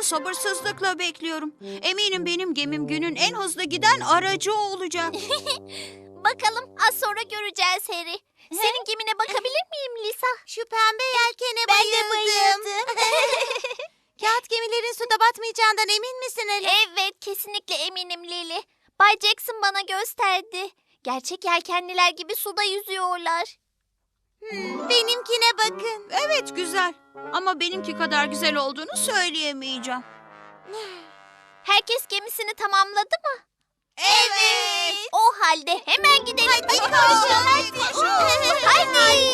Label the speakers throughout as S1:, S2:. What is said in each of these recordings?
S1: sabırsızlıkla bekliyorum. Eminim benim gemim günün en hızlı giden aracı olacak.
S2: Bakalım, az sonra göreceğiz Harry. Senin gemine bakabilir miyim Lisa?
S3: Şu pembe yelkene bayıldım. Kağıt gemilerin suda batmayacağından emin misin Ali?
S2: Evet, kesinlikle eminim Lily. Bay Jackson bana gösterdi. Gerçek yelkenliler gibi suda yüzüyorlar.
S3: Benimkine bakın.
S1: Evet, güzel. Ama benimki kadar güzel olduğunu söyleyemeyeceğim.
S2: Herkes gemisini tamamladı mı?
S3: Evet.
S2: O halde hemen gidelim.
S3: Hadi koşun.
S2: Hadi.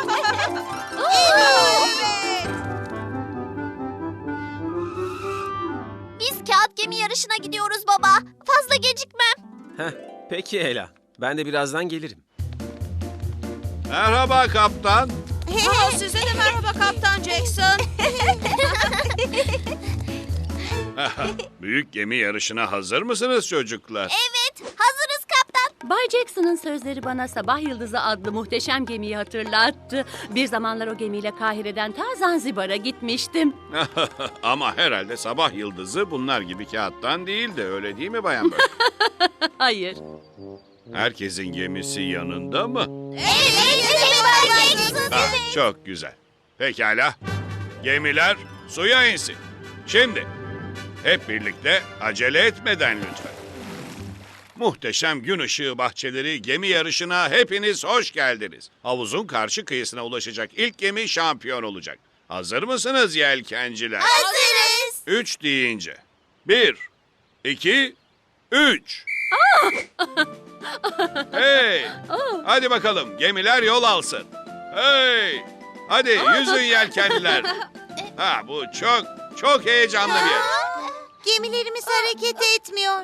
S2: Biz kağıt gemi yarışına gidiyoruz baba. Fazla gecikmem.
S4: Peki Ela. Ben de birazdan gelirim.
S5: Merhaba kaptan.
S1: Size de merhaba Kaptan Jackson.
S5: Büyük gemi yarışına hazır mısınız çocuklar?
S2: Evet, hazırız kaptan.
S6: Bay Jackson'ın sözleri bana Sabah Yıldızı adlı muhteşem gemiyi hatırlattı. Bir zamanlar o gemiyle Kahire'den ta Zanzibar'a gitmiştim.
S5: Ama herhalde sabah yıldızı bunlar gibi kağıttan değildi, öyle değil mi Bayan Burke?
S6: Hayır.
S5: Herkesin gemisi yanında mı?
S2: Evet, Bay Jackson.
S5: Çok güzel. Pekala. Gemiler suya insin. Şimdi hep birlikte acele etmeden lütfen. Muhteşem gün ışığı bahçeleri gemi yarışına hepiniz hoş geldiniz. Havuzun karşı kıyısına ulaşacak ilk gemi şampiyon olacak. Hazır mısınız yelkenciler?
S2: Hazırız.
S5: 3 deyince. 1, 2, 3. Hey! Hadi bakalım gemiler yol alsın. Hey! Hadi yüzün yelkenliler. Bu çok heyecanlı bir yer.
S3: Gemilerimiz hareket etmiyor.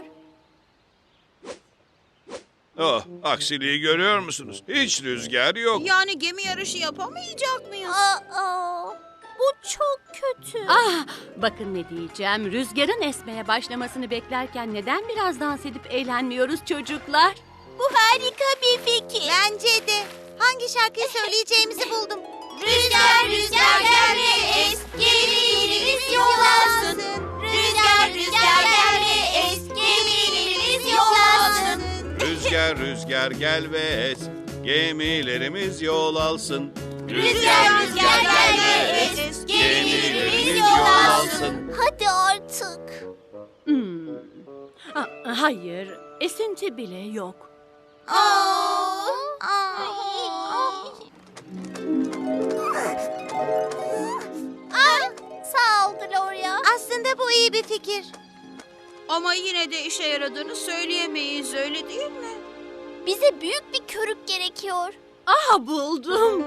S5: Aksiliği görüyor musunuz? Hiç rüzgar yok.
S1: Yani gemi yarışı yapamayacak mıyız?
S2: Bu çok kötü.
S6: Bakın ne diyeceğim. Rüzgarın esmeye başlamasını beklerken neden biraz dans edip eğlenmiyoruz çocuklar?
S3: Bu harika bir fikir. Bence de. Hangi şarkıyı söyleyeceğimizi buldum.
S2: Rüzgar rüzgar gel ve es, gemilerimiz yol alsın. Rüzgar rüzgar gel ve es, gemilerimiz yol alsın.
S5: Rüzgar rüzgar gel ve es, gemilerimiz yol alsın.
S2: Rüzgar rüzgar gel ve es, gemilerimiz yol alsın. Hadi artık.
S6: Hayır, esinti bile yok.
S2: Sağ ol Gloria.
S3: Aslında bu iyi bir fikir.
S1: Ama yine de işe yaradığını söyleyemeyiz, öyle değil mi?
S2: Bize büyük bir körük gerekiyor.
S6: Buldum.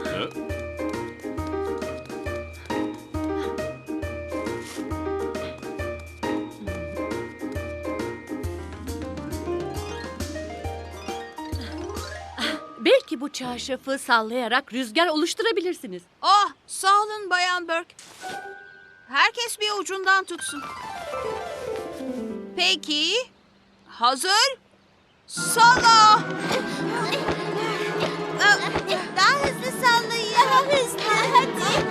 S6: Belki bu çarşafı sallayarak rüzgar oluşturabilirsiniz.
S1: Sağ olun Bayan Burke. Herkes bir ucundan tutsun. Peki, hazır? Salla!
S3: Daha hızlı sallayın. Daha hızlı. Hadi.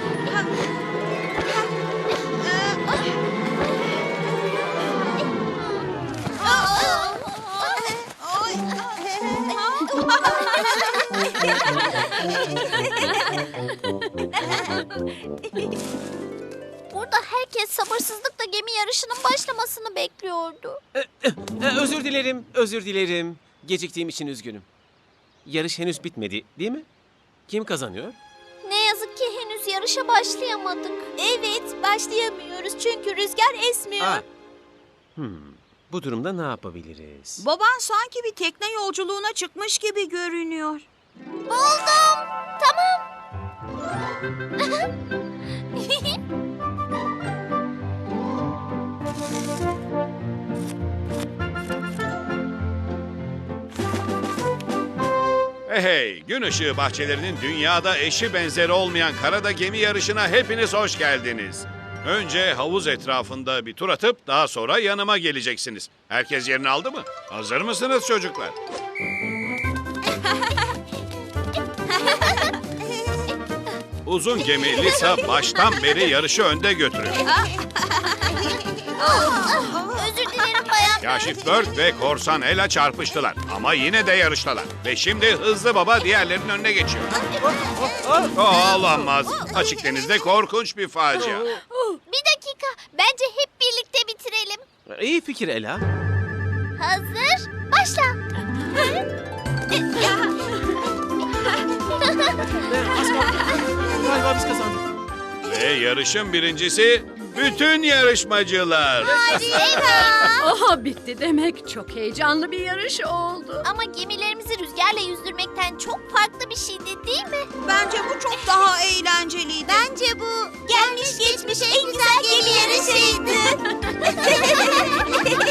S2: Burada herkes sabırsızlıkla gemi yarışının başlamasını bekliyordu.
S4: Özür dilerim. Geciktiğim için üzgünüm. Yarış henüz bitmedi, değil mi? Kim kazanıyor?
S2: Ne yazık ki henüz yarışa başlayamadık.
S3: Evet, başlayamıyoruz çünkü rüzgar esmiyor.
S4: Bu durumda ne yapabiliriz?
S1: Baban sanki bir tekne yolculuğuna çıkmış gibi görünüyor.
S2: Buldum. Tamam.
S5: Hey, gün ışığı bahçelerinin dünyada eşi benzeri olmayan karada gemi yarışına hepiniz hoş geldiniz. Önce havuz etrafında bir tur atıp daha sonra yanıma geleceksiniz. Herkes yerini aldı mı? Hazır mısınız çocuklar? Uzun gemi Lisa baştan beri yarışı önde götürüyor.
S2: Özür dilerim bayan.
S5: Kaşif Bird ve Korsan Ela çarpıştılar. Ama yine de yarıştalar. Ve şimdi Hızlı Baba diğerlerinin önüne geçiyor. Olamaz. Açık denizde korkunç bir facia.
S2: Bir dakika. Bence hep birlikte bitirelim.
S4: İyi fikir Ela.
S2: Hazır. Başla.
S4: Galiba biz kazandık.
S5: Ve yarışın birincisi bütün yarışmacılar.
S6: Aha bitti demek. Çok heyecanlı bir yarış oldu.
S2: Ama gemilerimizi rüzgarla yüzdürmekten çok farklı bir şeydi değil mi?
S1: Bence bu çok daha eğlenceliydi.
S3: Bence bu gelmiş geçmiş en güzel gemi yarışıydı.